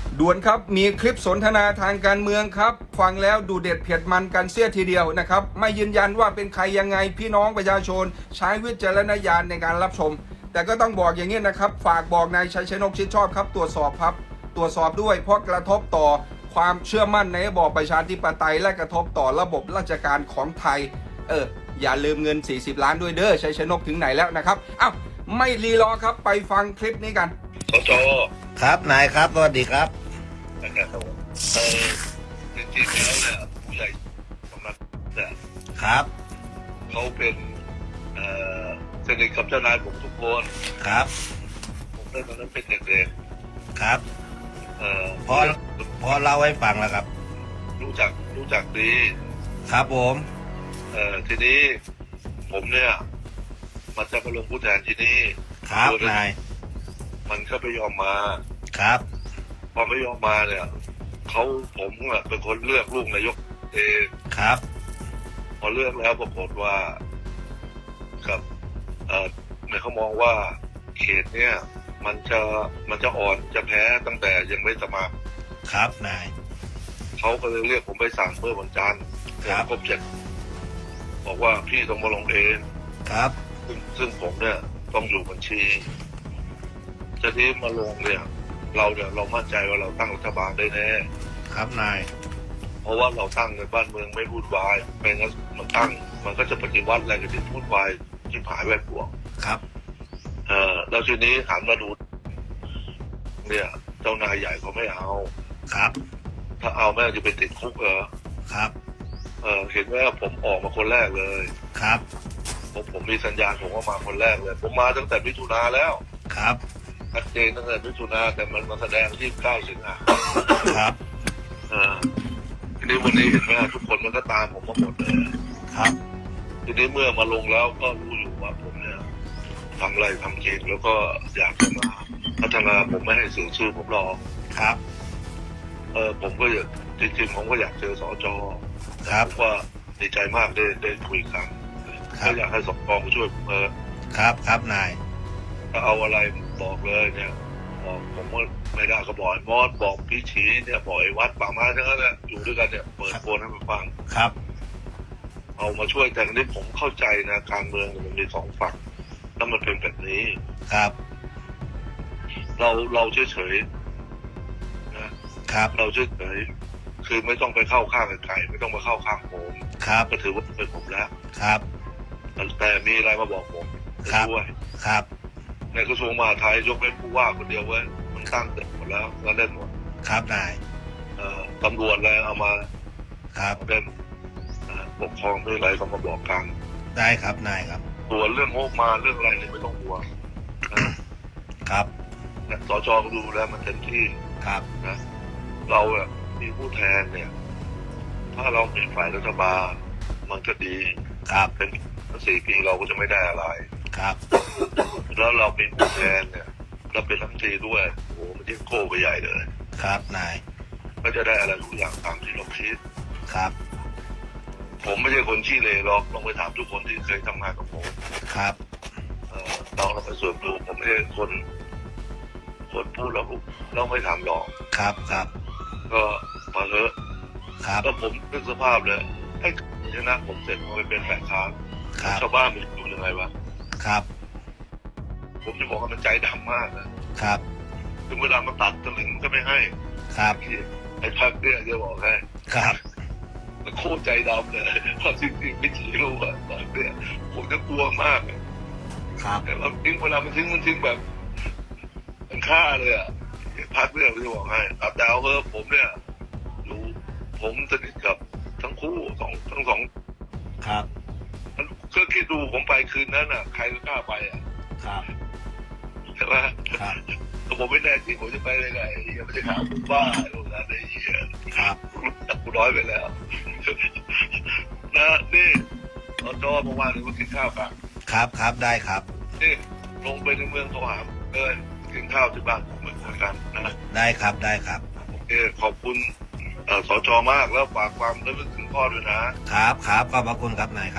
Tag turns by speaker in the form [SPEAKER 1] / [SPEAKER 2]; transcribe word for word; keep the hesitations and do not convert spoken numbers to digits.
[SPEAKER 1] ด่วนครับมีคลิปสนทนาทางการเมืองครับฟังแล้วดูเด็ดเผ็ดมันกันเสียทีเดียวนะครับไม่ยืนยันว่าเป็นใครยังไงพี่น้องประชาชนใช้วิจารณญาณในการรับชมแต่ก็ต้องบอกอย่างนี้นะครับฝากบอกนายชัยชนกชิดชอบครับตรวจสอบครับตรวจสอบด้วยเพราะกระทบต่อความเชื่อมั่นในระบอบประชาธิปไตยและกระทบต่อระบบราชการของไทยเอออย่าลืมเงินสี่สิบล้านด้วยเด้อชัยชนกถึงไหนแล้วนะครับอ้าวไม่รีรอครับไปฟังคลิปนี้กัน
[SPEAKER 2] สจ
[SPEAKER 3] ครับนายครับสวัสดีครับ
[SPEAKER 2] นะครับเออจริงๆแล้วเนี่ยผู้ใหญ่กำนันเนี่ย
[SPEAKER 3] ครับ
[SPEAKER 2] เขาเป็นเอ่อสนิทกับเจ้านายผมทุกคน
[SPEAKER 3] ครับ
[SPEAKER 2] ผมได้ตอนนั้นเป็นเด็ก
[SPEAKER 3] ๆครับ
[SPEAKER 2] เอ่อ
[SPEAKER 3] พอพอเล่าให้ฟังแล้วครับ
[SPEAKER 2] รู้จักรู้จักดี
[SPEAKER 3] ครับผม
[SPEAKER 2] เอ่อทีนี้ผมเนี่ยมันจะมาลงผู้แทนที่นี่
[SPEAKER 3] ครับนาย
[SPEAKER 2] มันก็ไปยอมมา
[SPEAKER 3] ครับ
[SPEAKER 2] พอไม่ยอมมาเนี่ยเขาผมอ่ะเป็นคนเลือกลูกนายกเอง
[SPEAKER 3] ครับ
[SPEAKER 2] พอเลือกแล้วปรากฏว่ากับเอ่อเนี่ยเขามองว่าเขตเนี่ยมันจะมันจะอ่อนจะแพ้ตั้งแต่ยังไม่สมัคร
[SPEAKER 3] ครับนาย
[SPEAKER 2] เขาก็เลยเรียกผมไปสั่งเมื่อวันจันทร์
[SPEAKER 3] ครับ
[SPEAKER 2] ครบเจ็ดบอกว่าพี่ต้องมาลงเอง
[SPEAKER 3] ครับ
[SPEAKER 2] ซึ่งซึ่งผมเนี่ยต้องอยู่บัญชีจะที่มาลงเนี่ยเราเนี่ยเรามั่นใจว่าเราตั้งรัฐบาลได้แน่
[SPEAKER 3] ครับนาย
[SPEAKER 2] เพราะว่าเราตั้งในบ้านเมืองไม่พูดวายไม่งั้นมันตั้งมันก็จะปฏิวัติอะไรกันที่พูดวายที่ผายแวดบวก
[SPEAKER 3] ครับ
[SPEAKER 2] เออแล้วทีนี้หันมาดูเนี่ยเจ้านายใหญ่เขาไม่เอา
[SPEAKER 3] ครับ
[SPEAKER 2] ถ้าเอาแม่จะไปติดคุกเหรอ
[SPEAKER 3] ครับ
[SPEAKER 2] เออเห็นว่าผมออกมาคนแรกเลย
[SPEAKER 3] ครับ
[SPEAKER 2] ผมผมมีสัญญาณผมว่ามาคนแรกเลยผมมาตั้งแต่มิถุนาแล้ว
[SPEAKER 3] ครับ
[SPEAKER 2] ชัดเจนตั้งแต่มิถุนาแต่มันมาแสดงที่เก้าสิงหา
[SPEAKER 3] ครับ
[SPEAKER 2] เออทีนี้วันนี้เห็นไหมทุกคนมันก็ตามผมมาหมดเลย
[SPEAKER 3] ครับ
[SPEAKER 2] ทีนี้เมื่อมาลงแล้วก็รู้อยู่ว่าผมเนี่ยทำอะไรทำจริงแล้วก็อยากจะมาพัฒนาผมไม่ให้เสียชื่อผมหรอก
[SPEAKER 3] ครับ
[SPEAKER 2] เออผมก็อยากจริงๆผมก็อยากเจอสจ
[SPEAKER 3] ครับ
[SPEAKER 2] ว่าดีใจมากได้ได้คุยกันก็อยากให้สจมาช่วยเออ
[SPEAKER 3] ครับครับนาย
[SPEAKER 2] ถ้าเอาอะไรบอกเลยเนี่ยบอกผมว่าไม่ได้ก็บอกมอสบอกพี่ชีเนี่ยบอกไอ้วัดป่าไม้ทั้งนั้นแหละอยู่ด้วยกันเนี่ยเปิดโฟนให้มันฟัง
[SPEAKER 3] ครับ
[SPEAKER 2] เอามาช่วยแต่นี้ผมเข้าใจนะการเมืองมันมีสองฝั่งแล้วมันเป็นแบบนี้
[SPEAKER 3] ครับ
[SPEAKER 2] เราเราเฉยเฉยนะครับเราเฉยเฉยคือไม่ต้องไปเข้าข้างใครไม่ต้องมาเข้าข้างผม
[SPEAKER 3] ครับ
[SPEAKER 2] ก็ถือว่าเป็นผมแล้ว
[SPEAKER 3] ครับ
[SPEAKER 2] แต่มีอะไรมาบอกผมด้วย
[SPEAKER 3] ครับ
[SPEAKER 2] ในกระทรวงมหาดไทยยกเว้นผู้ว่าคนเดียวเว้ยมันตั้งเต็มหมดแล้วแล้วเล่นหมด
[SPEAKER 3] ครับนาย
[SPEAKER 2] เอ่อตำรวจอะไรเอามา
[SPEAKER 3] ครับ
[SPEAKER 2] เล่นปกครองด้วยอะไรต้องมาบอกกัน
[SPEAKER 3] ได้ครับนายครับ
[SPEAKER 2] ส่วนเรื่องงบมาเรื่องอะไรเนี่ยไม่ต้องห่วง
[SPEAKER 3] ครับ
[SPEAKER 2] สจก็ดูแลมันเต็มที่
[SPEAKER 3] ครับ
[SPEAKER 2] นะเราเนี่ยมีผู้แทนเนี่ยถ้าเราเป็นฝ่ายรัฐบาลมันก็ดี
[SPEAKER 3] ครับ
[SPEAKER 2] เป็นสี่ปีเราก็จะไม่ได้อะไร
[SPEAKER 3] ครับ
[SPEAKER 2] แล้วเราเป็นผู้แทนเนี่ยเราเป็นรัฐมนตรีด้วยโอ้โหมันยิ่งโก้ไปใหญ่เลย
[SPEAKER 3] ครับนาย
[SPEAKER 2] ก็จะได้อะไรทุกอย่างตามที่เราคิด
[SPEAKER 3] ครับ
[SPEAKER 2] ผมไม่ใช่คนขี้เหร่หรอกลองไปถามทุกคนที่เคยทำงานกับผม
[SPEAKER 3] ครับ
[SPEAKER 2] เออลองเราไปส่วนดูผมไม่ใช่คนคนพูดแล้วเราไม่ถามหรอก
[SPEAKER 3] ครับครับ
[SPEAKER 2] ก็มาเถอะ
[SPEAKER 3] ครับ
[SPEAKER 2] แล้วผมนึกสภาพเลยให้ชนะผมเสร็จผมไปเป็นแฝงค้างชาวบ้านมันอยู่ยังไงวะ
[SPEAKER 3] ครับ
[SPEAKER 2] ผมจะบอกว่ามันใจดำมาก
[SPEAKER 3] นะครับ
[SPEAKER 2] ถึงเวลามาตัดตะลึงก็ไม่ให้
[SPEAKER 3] ครับ
[SPEAKER 2] ไอ้พักเนี่ยจะบอกให้
[SPEAKER 3] ครับ
[SPEAKER 2] มันโคตรใจดำเลยเพราะจริงๆไม่ชี้รู้ว่าตอนเนี่ยผมจะกลัวมาก
[SPEAKER 3] ครับ
[SPEAKER 2] แต่เราทิ้งเวลามันทิ้งมันทิ้งแบบมันฆ่าเลยอ่ะพักเนี่ยจะบอกให้ตัดดาวเออผมเนี่ยรู้ผมสนิทกับทั้งคู่สองทั้งสอง
[SPEAKER 3] ครับ
[SPEAKER 2] ก็คิดดูผมไปคืนนั้นอ่ะใครก็กล้าไปอ่ะ
[SPEAKER 3] ครับ
[SPEAKER 2] ใช่ไหม
[SPEAKER 3] ครับ
[SPEAKER 2] ถ้าผมไม่แน่จริงผมจะไปได้ไงยังไม่ได้ข่าวผมบ้าโรงงานได้ยี่
[SPEAKER 3] ครับ
[SPEAKER 2] กูน้อยไปแล้วนะนี่ตอนจอเมื่อวานนี้ก็กินข้าวกัน
[SPEAKER 3] ครับครับได้ครับ
[SPEAKER 2] นี่ลงไปในเมืองโทรหาเลยกินข้าวที่บ้านผมเหมือนกันนะ
[SPEAKER 3] ได้ครับได้ครับ
[SPEAKER 2] โอเคขอบคุณสจมากแล้วฝากความระลึกถึงพ่อด้วยนะครับ
[SPEAKER 3] ครับขอบพระคุณครับนาย